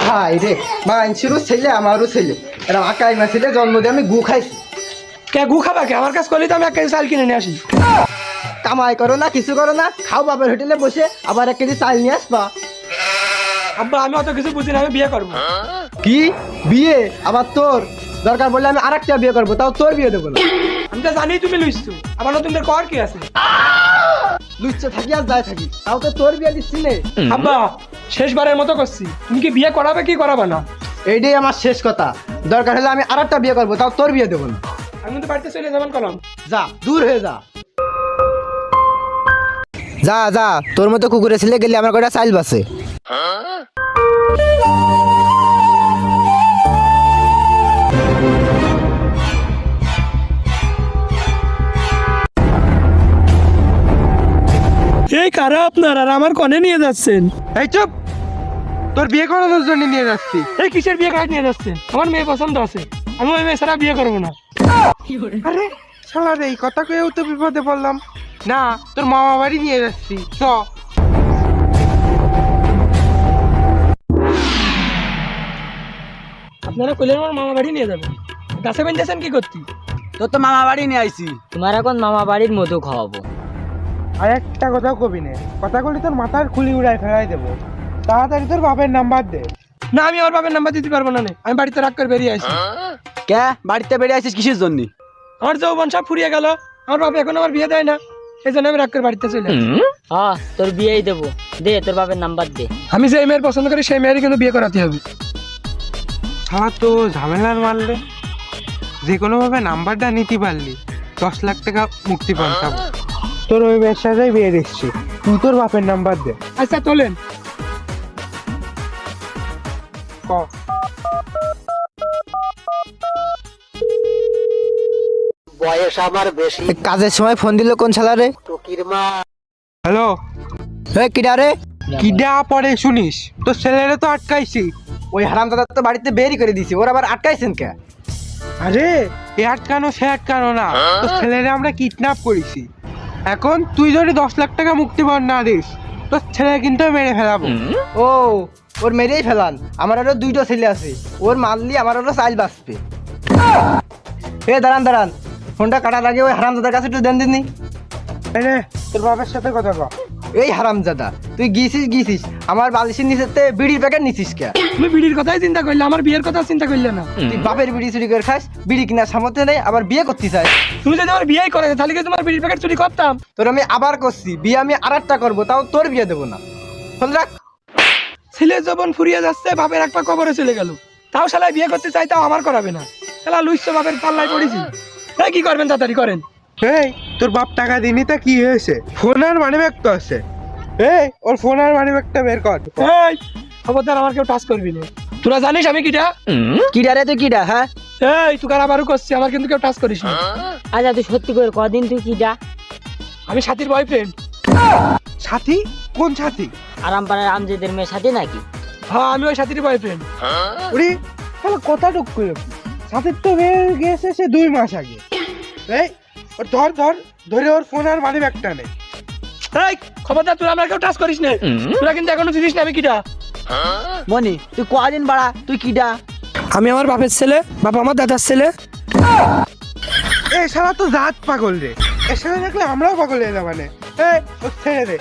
High রে মাইনছিরও ছেলে আমারও ছেলে এরা আকাই মা ছেলে জন্ম দিয়ে আমি গু খাইছি। কে গু খাবা কে? আমার কাছে করলে তো আমি 1 কেজি চাল কিনে নিয়ে আসি। কামাই করো না কিছু করো না, খাও বাবার হোটেলে বসে আবার 1 কেজি চাল নিয়ে আসবা। আব্বা আমি অত কিছু বুঝি না, আমি বিয়ে করবো। কি বিয়ে? আবার তোর দরকার বললে আমি আরেকটা বিয়ে করবো, তাও তোর বিয়ে দেবো না। আমি তো জানি তুমি লুইছো, আমার নতুনদের কর কি আছে? লুচ্ছে থাকি আর যায় থাকি, তাও তো তোর বিয়ে দিচ্ছি নে। আব্বা শেষবারের মতো করছি, তুমি কি বিয়ে করাবে কি করাবে না? এইটাই আমার শেষ কথা, দরকার হলে আমি আরেকটা বিয়ে করবো, তাও তোর বিয়ে দেবো না। আমি তো বাড়িতে চলে যাবেন কলম। যা দূর হয়ে যা। যা যা, তোর মতো কুকুরে ছেলে গেলে আমার কটা চাইল বাসে। এই কারা আপনার আর আমার কনে নিয়ে যাচ্ছেন? এই চুপ, তোর বিয়ে করানোর জন্য নিয়ে যাচ্ছি। এই কিসের বিয়ে কাজ নিয়ে যাচ্ছেন? আমার মেয়ে পছন্দ আছে, আমি ওই মেয়ে ছাড়া বিয়ে করবো না। আরে শালা রে, এই কথা কয়েও তো বিপদে পড়লাম। না, তোর মামা বাড়ি নিয়ে যাচ্ছি চ। আপনারা কইলেন আমার মামা বাড়ি নিয়ে যাবেন, গাছে বেঁধেছেন কি করতে? তোর তো মামা বাড়ি নিয়ে আইছি, তোমার এখন মামা বাড়ির মধু খাওয়াবো। আর একটা কথাও কবি নে, কথা বলি তোর মাথার খুলি উড়াই ফেলাই দেবো। তাড়াতাড়ি তোর বাপের নাম্বার দে। না আমি আমার বাবার নাম্বার দিতে পারবো না, আমি বাড়িতে রাগ করে বেরিয়ে আসি। কে বাড়িতে বেরিয়ে আইছিস কিসের জন্য? আমার যৌবন সব ফুরিয়ে গেল, আমার বাবা এখন আমার বিয়ে দেয় না, এই জন্য আমি রাগ করে বাড়িতে চলে আসি। হ্যাঁ তোর বিয়েই দেবো, দে তোর বাবার নাম্বার দে। আমি যে মেয়ের পছন্দ করি সেই মেয়েরই কিন্তু বিয়ে করাতে হবে। শালা তো ঝামেলার মারলে, যে কোনো ভাবে নাম্বারটা নিতে পারলি 10 লাখ টাকা মুক্তি পান। তোর ওই মেয়ের সাথেই বিয়ে দিচ্ছি, তুই তোর বাপের নাম্বার দে। আচ্ছা তোলেন। ক। কাজের সময় ফোন দিল কোন শালা রে? হ্যালো, কিডা রে? কিডা পরে শুনিস, তোর ছেলেরে তো আটকাইছি। ওই হারামদাদা তো বাড়িতে বেরই করে দিছি, ওর আবার আটকাইছেন কে? আরে এ আটকানো সে আটকানো না, তোর ছেলেরে আমরা কিডন্যাপ করেছি। এখন তুই যদি 10 লাখ টাকা মুক্তিপণ না দিস, তোর ছেলে কিন্তু মেরে ফেলাবো। ও ওর মেরেই ফেলান, আমার আরো 2টো ছেলে আছে, ওর মারলি আমার আরো চাইল বাঁচবে। দাঁড়ান দাঁড়ান, ফোনটা কাটার আগে ওই হারামদাদার কাছে একটু দেন দিননি। এনে তোর বাবার সাথে কথা কর। এই হারামজাদা, তুই গিয়েছিস আমার বালিশের নিচেতে বিড়ির প্যাকেট নিছিস কে? তুমি বিড়ির কথাই চিন্তা করলে, আমার বিয়ের কথা চিন্তা করলে না। তুই বাপের বিড়ি চুরি করে খাস, বিড়ি কিনার সামর্থ্য নেই, আবার বিয়ে করতে চাস। তুমি যদি আমার বিয়ে করে তাহলে কি তোমার বিড়ির প্যাকেট চুরি করতাম? তোর আমি আবার করছি, বিয়ে আমি আরেকটা করবো, তাও তোর বিয়ে দেবো না। ফোন রাখ। ছেলের যখন ফুরিয়ে যাচ্ছে, বাপের একটা কবরে চলে গেল, তাও শালা বিয়ে করতে চাই, তাও আমার করাবে না। শালা লুইছো বাপের পাল্লায় পড়েছি। এই কি করবেন, তাড়াতাড়ি করেন। এই তোর বাপ টাকা দিনি তা কি হয়েছে? ফোন আর মানি ব্যাগ তো আছে। এই ওর ফোন আর মানি ব্যাগটা বের কর। এই খবরদার আমার কেউ টাচ করবি না। তোরা জানিস আমি কিটা? কিডা রে তুই কিডা? হ্যাঁ এই তুই আবারও করছিস, আমার কিন্তু কেউ টাচ করিস না। আচ্ছা তুই সত্যি করে কদিন তুই কি যা? আমি সাথীর বয়ফ্রেন্ড। সাথী? কোন সাথী? আরামপাড়ার আমজেদের মেয়ের সাথে নাকি? হ্যাঁ আমি ওই সাথীর বয়ফ্রেন্ড। ওরে তাহলে কথা টুক করে সাথীর তো বিয়ে গেছে সে 2 মাস আগে। এই ওর ধরে ওর ফোন আর মানি ব্যাগটা নেই। এই খবরদার, তোরা আমার কেউ টাচ করিস না। তোরা কিন্তু এখনো চিনিস না আমি কিটা। মনি তুই কদিন বাড়া, তুই কিডা? আমি আমার বাপের ছেলে, বাবা আমার দাদার ছেলে। এই শালা তো জাত পাগল রে, এর সাথে দেখলে আমরাও পাগল হয়ে যাবো মানে। এই ও ছেড়ে দে।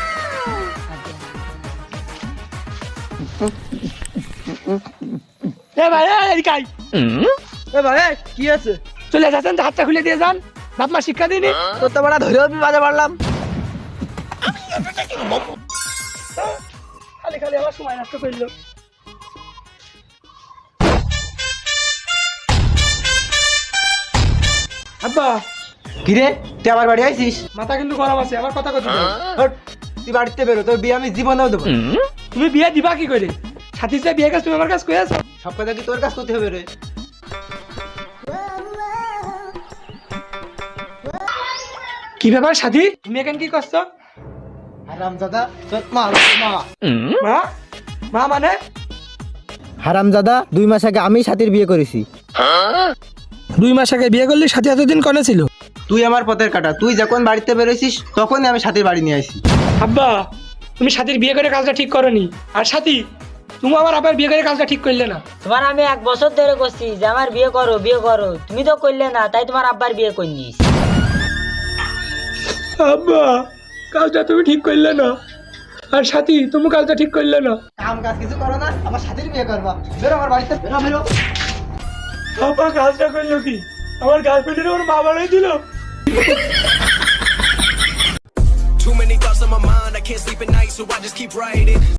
এ ভাই এদিকে আয়। এ ভাই কি আছে? চলে যাচ্ছেন, হাতটা খুলে দিয়ে যান। বাপ মা শিক্ষা দিনি। তোর তো বড় ধরেও বিবাদে পারলাম। খালি খালি আমার সময় নষ্ট করলো। আব্বা কিরে তুই আমার বাড়ি আইছিস? মাথা কিন্তু গরম আছে, আমার কথা কথা। হট, তুই বাড়িতে বেরো, তোর বিয়ে আমি জীবনেও দেবো না। তুমি বিয়ে দিবা কি করে? সাথী সাথে বিয়ে কাজ তুমি আমার কাছে কই আছো? সব কথা কি তোর কাজ করতে হবে রে? কি ব্যাপার সাথী, তুমি এখানে কি করছো? হারামজাদা তোর মা। মা? মা মানে? হারামজাদা 2 মাস আগে আমি সাথীর বিয়ে করেছি। 2 মাস আগে বিয়ে করলি, সাথী এতদিন কনে ছিল? তুই আমার পথের কাটা, তুই যখন বাড়িতে বেরোইছিস তখনই আমি সাথীর বাড়ি নিয়ে আসি। আব্বা তুমি সাথীর বিয়ে করে কাজটা ঠিক করনি। আর সাথী তুমি আমার আবার বিয়ে করে কাজটা ঠিক করলে না। তোমার আমি 1 বছর ধরে করছি যে আমার বিয়ে করো বিয়ে করো, তুমি তো করলে না, তাই তোমার আব্বার বিয়ে করে নিস। আব্বা কাজটা তুমি ঠিক করলে না, আর সাথী তুমি কাজটা ঠিক করলে না। কাম কাজ কিছু করো না, আমার সাথীর বিয়ে করবা। বেরো আমার বাড়িতে, বেরো বেরো। আব্বা কাজটা করলো কি? আমার গার্লফ্রেন্ডের ওর মা বাড়াই দিল। Too many thoughts on my mind, I can't sleep at night, so I just keep writing.